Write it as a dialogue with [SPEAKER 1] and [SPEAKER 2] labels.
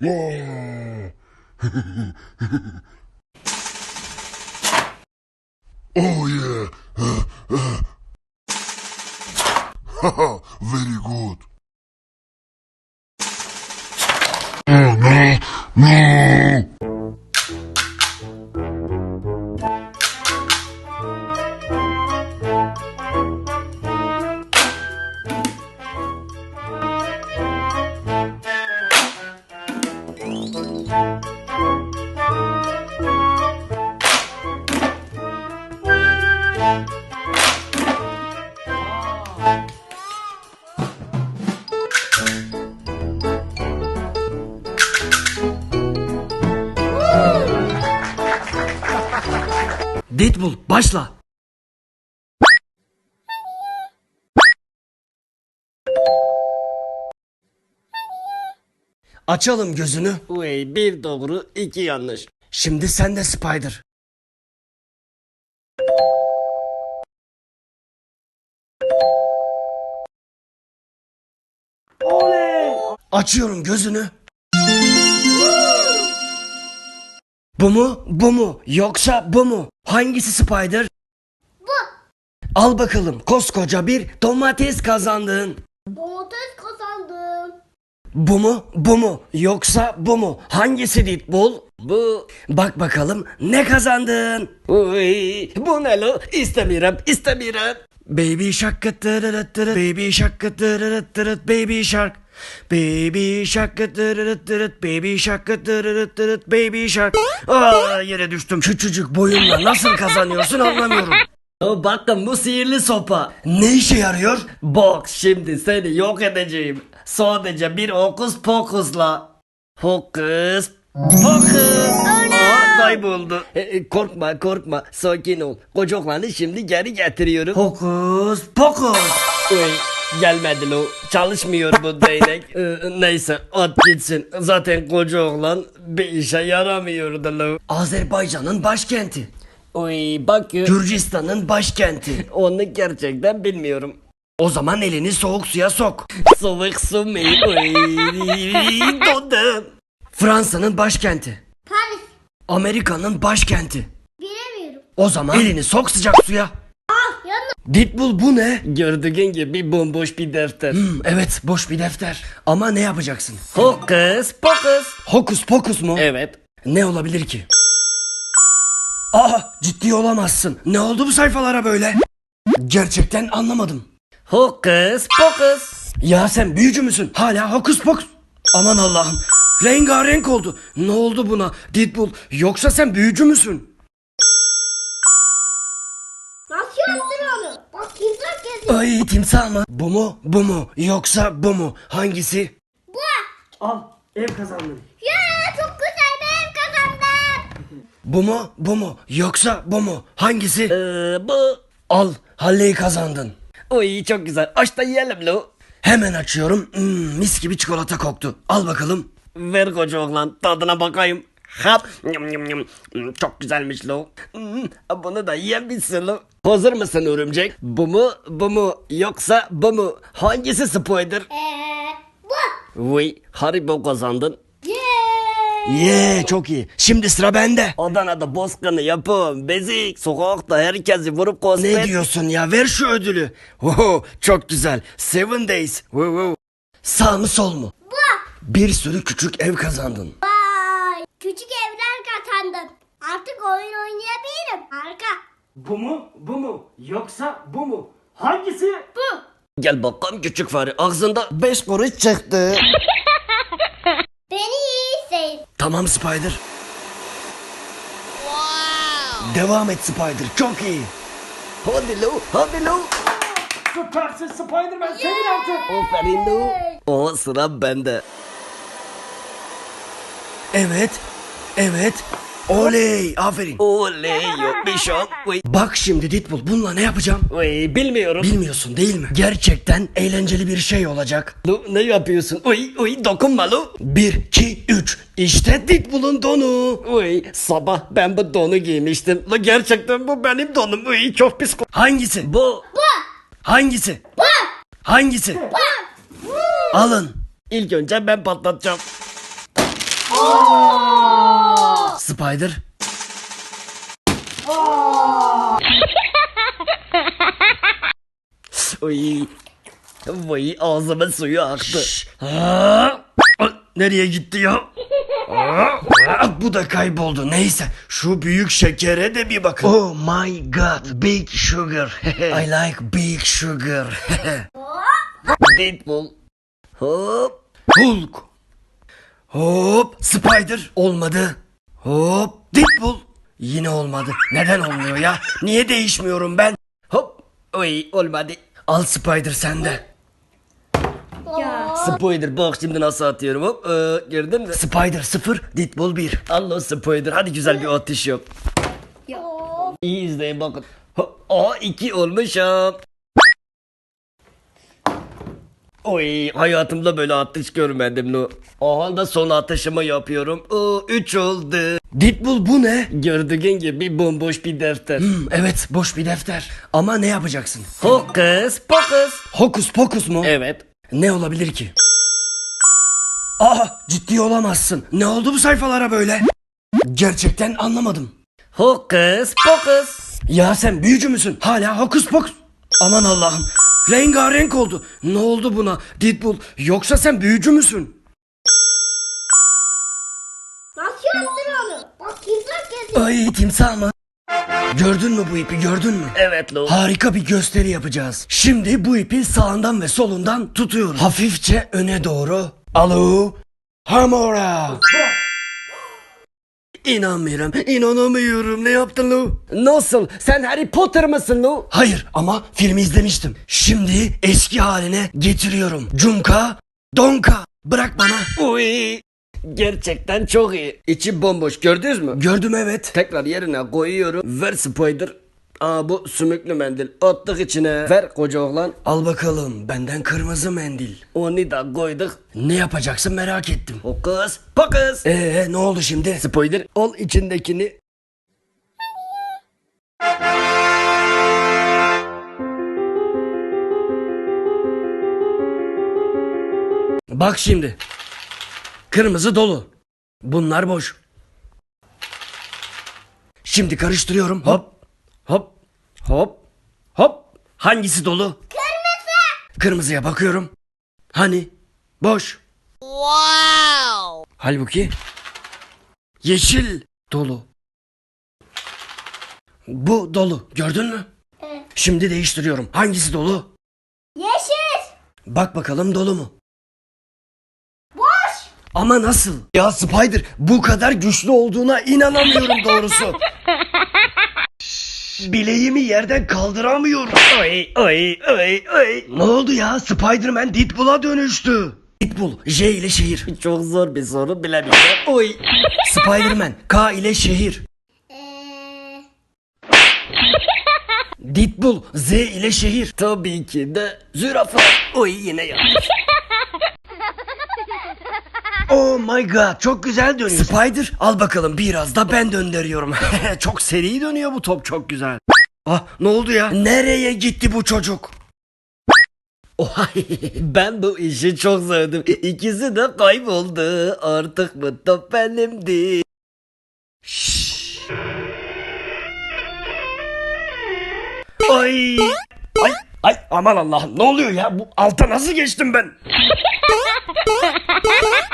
[SPEAKER 1] Wow. Oh yeah. Haha, very good. Oh no, no.
[SPEAKER 2] Deadpool başla. Açalım gözünü.
[SPEAKER 3] Uy, bir doğru iki yanlış.
[SPEAKER 2] Şimdi sen de Spider. Açıyorum gözünü. Bu mu? Bu mu? Yoksa bu mu? Hangisi Spider?
[SPEAKER 4] Bu.
[SPEAKER 2] Al bakalım koskoca bir domates kazandın.
[SPEAKER 4] Domates kazandım.
[SPEAKER 2] Bu mu? Bu mu? Yoksa bu mu? Hangisi Deadpool?
[SPEAKER 3] Bu.
[SPEAKER 2] Bak bakalım ne kazandın?
[SPEAKER 3] Uy, bu ne lo? İstemiyorum, istemiyorum.
[SPEAKER 2] Baby shark tırırıt tırıt, baby shark tırırıt tırıt, baby shark. Baby shark tırırıt tırıt, baby shark tırırıt tırıt, baby shark. Aa, yere düştüm. Küçücük boyunla nasıl kazanıyorsun anlamıyorum.
[SPEAKER 3] O bakın bu sihirli sopa.
[SPEAKER 2] Ne işe yarıyor?
[SPEAKER 3] Bak şimdi seni yok edeceğim. Sadece bir hokus pokusla. Hokus pokus. Aa, kayboldu. Korkma korkma, sakin ol. Kocaklarını şimdi geri getiriyorum.
[SPEAKER 2] Hokus pokus.
[SPEAKER 3] Uy, gelmedi lo. Çalışmıyor bu değnek. Neyse at gitsin. Zaten koca oğlan bir işe yaramıyordu lo.
[SPEAKER 2] Azerbaycan'ın başkenti.
[SPEAKER 3] Uy bak
[SPEAKER 2] Gürcistan'ın başkenti.
[SPEAKER 3] onu gerçekten bilmiyorum.
[SPEAKER 2] O zaman elini soğuk suya sok.
[SPEAKER 3] Soğuk su mu? Uy, dondum.
[SPEAKER 2] Fransa'nın başkenti.
[SPEAKER 4] Paris.
[SPEAKER 2] Amerika'nın başkenti.
[SPEAKER 4] Bilemiyorum.
[SPEAKER 2] O zaman elini sok sıcak suya.
[SPEAKER 4] Yanına.
[SPEAKER 2] Deadpool bu ne?
[SPEAKER 3] Gördüğün gibi bomboş bir defter.
[SPEAKER 2] Evet boş bir defter. Ama ne yapacaksın?
[SPEAKER 3] Hokus pokus.
[SPEAKER 2] Hokus pokus mu?
[SPEAKER 3] Evet.
[SPEAKER 2] Ne olabilir ki? Aa ciddi olamazsın. Ne oldu bu sayfalara böyle? Gerçekten anlamadım.
[SPEAKER 3] Hokus pokus.
[SPEAKER 2] Ya sen büyücü müsün? Hala hokus pokus. Aman Allah'ım. Rengarenk oldu. Ne oldu buna? Deadpool yoksa sen büyücü müsün?
[SPEAKER 4] Nasıl yaptın onu? Bak kimse geziyor.
[SPEAKER 2] Ay timsah mı? Bu mu? Bu mu? Yoksa bu mu? Hangisi?
[SPEAKER 4] Bu.
[SPEAKER 2] Al ev kazandın.
[SPEAKER 4] Ya çok güzel ben kazandım.
[SPEAKER 2] Bu mu? Bu mu? Yoksa bu mu? Hangisi?
[SPEAKER 3] Bu.
[SPEAKER 2] Al Halley'i kazandın.
[SPEAKER 3] Uy çok güzel. Aç da yiyelim lo.
[SPEAKER 2] Hemen açıyorum. Mis gibi çikolata koktu. Al bakalım.
[SPEAKER 3] Ver koca oğlan tadına bakayım. Hap. Yum, yum, yum. Çok güzelmiş lo. Bunu da yiyebilirsin lo. Hazır mısın örümcek? Bu mu? Bu mu? Yoksa bu mu? Hangisi Spider?
[SPEAKER 4] Bu.
[SPEAKER 3] Uy Haribo kazandın.
[SPEAKER 4] Yeah.
[SPEAKER 2] Çok iyi. Şimdi sıra bende.
[SPEAKER 3] Adana'da bozkırını yapın. Bezik. Sokakta herkesi vurup kosmet.
[SPEAKER 2] Ne diyorsun ya? Ver şu ödülü. Oho, çok güzel. 7 days. Wow. Sağ mı sol mu?
[SPEAKER 4] Bu.
[SPEAKER 2] Bir sürü küçük ev kazandın.
[SPEAKER 4] Vay. Küçük evler kazandım. Artık oyun oynayabilirim. Harika.
[SPEAKER 2] Bu mu? Bu mu? Yoksa bu mu? Hangisi?
[SPEAKER 4] Bu.
[SPEAKER 3] Gel bakalım küçük fare. Ağzında 5 kuruş çıktı.
[SPEAKER 4] Beni iyi izleyin.
[SPEAKER 2] Tamam Spider. Devam et Spider. Çok iyi.
[SPEAKER 3] Hadi lo. Hadi lo.
[SPEAKER 2] Süpersin Spider-Man. Sevin artık.
[SPEAKER 3] Aferin lo. O sıra bende.
[SPEAKER 2] Evet. Oley. Aferin.
[SPEAKER 3] Oley yok bir şok. Uy.
[SPEAKER 2] Bak şimdi Deadpool bununla ne yapacağım?
[SPEAKER 3] Uy bilmiyorum.
[SPEAKER 2] Bilmiyorsun değil mi? Gerçekten eğlenceli bir şey olacak.
[SPEAKER 3] Lo ne yapıyorsun? Uy dokunma lo.
[SPEAKER 2] 1, 2, 3. İşte Deadpool'un donu.
[SPEAKER 3] Uy sabah ben bu donu giymiştim. Lo gerçekten bu benim donum. Uy çok pis.
[SPEAKER 2] Hangisi?
[SPEAKER 3] Bu.
[SPEAKER 2] Hangisi? Hangisi? Alın.
[SPEAKER 3] İlk önce ben patlatacağım. Spider. Oy. Vay ağzımın suyu aktı.
[SPEAKER 2] Nereye gitti ya? Bu da kayboldu. Neyse şu büyük şekere de bir bakın. Oh my god, big sugar. I like big sugar.
[SPEAKER 3] Deadpool. Hop.
[SPEAKER 2] Hulk. Hop, Spider. Olmadı. Hop, Deadpool. Yine olmadı. Neden olmuyor ya? Niye değişmiyorum ben?
[SPEAKER 3] Hop. Oy olmadı.
[SPEAKER 2] Al Spider sende.
[SPEAKER 3] Spider bak şimdi nasıl atıyorum hop. Gördün mü?
[SPEAKER 2] Spider 0, Deadpool 1.
[SPEAKER 3] Allah Spider hadi güzel bir atış yap. İyi izleyin bakın. Hop. Aa 2 olmuşum. Oy hayatımda böyle atış görmedim no. Aha da son atışımı yapıyorum. 3 oldu.
[SPEAKER 2] Deadpool bu ne?
[SPEAKER 3] Gördüğün gibi bomboş bir defter.
[SPEAKER 2] Evet, boş bir defter. Ama ne yapacaksın?
[SPEAKER 3] Hokus pokus.
[SPEAKER 2] Hokus pokus mu?
[SPEAKER 3] Evet.
[SPEAKER 2] Ne olabilir ki? Aa, ciddi olamazsın. Ne oldu bu sayfalara böyle? Gerçekten anlamadım.
[SPEAKER 3] Hokus pokus.
[SPEAKER 2] Ya sen büyücü müsün? Hala hokus pokus. Aman Allah'ım. Rengarenk oldu. Ne oldu buna? Deadpool, yoksa sen büyücü müsün?
[SPEAKER 4] Nasıl yaptın onu? Bak timsah geziyor.
[SPEAKER 2] Ay, timsah mı? Gördün mü bu ipi, gördün mü?
[SPEAKER 3] Evet lo.
[SPEAKER 2] Harika bir gösteri yapacağız. Şimdi bu ipi sağından ve solundan tutuyorum. Hafifçe öne doğru. Alo. Hamora. İnanamıyorum. Ne yaptın Lu?
[SPEAKER 3] Nasıl? Sen Harry Potter mısın lo?
[SPEAKER 2] Hayır ama filmi izlemiştim. Şimdi eski haline getiriyorum. Cunka, donka. Bırak bana.
[SPEAKER 3] Uy. Gerçekten çok iyi. İçi bomboş gördünüz mü?
[SPEAKER 2] Gördüm, evet.
[SPEAKER 3] Tekrar yerine koyuyorum. Ver Spider. Aa bu sümüklü mendil. Attık içine. Ver koca oğlan.
[SPEAKER 2] Al bakalım, benden kırmızı mendil.
[SPEAKER 3] Onu da koyduk.
[SPEAKER 2] Ne yapacaksın merak ettim.
[SPEAKER 3] Hokus pokus.
[SPEAKER 2] Ne oldu şimdi?
[SPEAKER 3] Spider al içindekini.
[SPEAKER 2] Bak şimdi. Kırmızı dolu. Bunlar boş. Şimdi karıştırıyorum. Hop. Hop. Hop. Hop. Hangisi dolu? Kırmızı. Kırmızıya bakıyorum. Hani? Boş. Wow. Halbuki yeşil dolu. Bu dolu. Gördün mü?
[SPEAKER 4] Evet.
[SPEAKER 2] Şimdi değiştiriyorum. Hangisi dolu?
[SPEAKER 4] Yeşil.
[SPEAKER 2] Bak bakalım dolu mu?
[SPEAKER 4] Boş.
[SPEAKER 2] Ama nasıl? Ya Spider, bu kadar güçlü olduğuna inanamıyorum doğrusu. Bileğimi yerden kaldıramıyorum.
[SPEAKER 3] Oy oy oy oy.
[SPEAKER 2] Ne oldu ya? Spider-Man Deadpool'a dönüştü. Deadpool, J ile şehir.
[SPEAKER 3] Çok zor bir soru bilemeyeceğim. Oy.
[SPEAKER 2] Spider-Man, K ile şehir. Deadpool, Z ile şehir.
[SPEAKER 3] Tabii ki de zürafa. Oy yine yanlış.
[SPEAKER 2] Oh my god, çok güzel dönüyor. Spider, al bakalım, biraz da ben döndürüyorum. Çok seri dönüyor bu top, çok güzel. Ah, ne oldu ya? Nereye gitti bu çocuk?
[SPEAKER 3] Ohay, ben bu işi çok sevdim. İkisi de kayboldu. Artık bu top benimdi.
[SPEAKER 2] Ay. Ay aman Allah'ım, ne oluyor ya? Bu alta nasıl geçtim ben?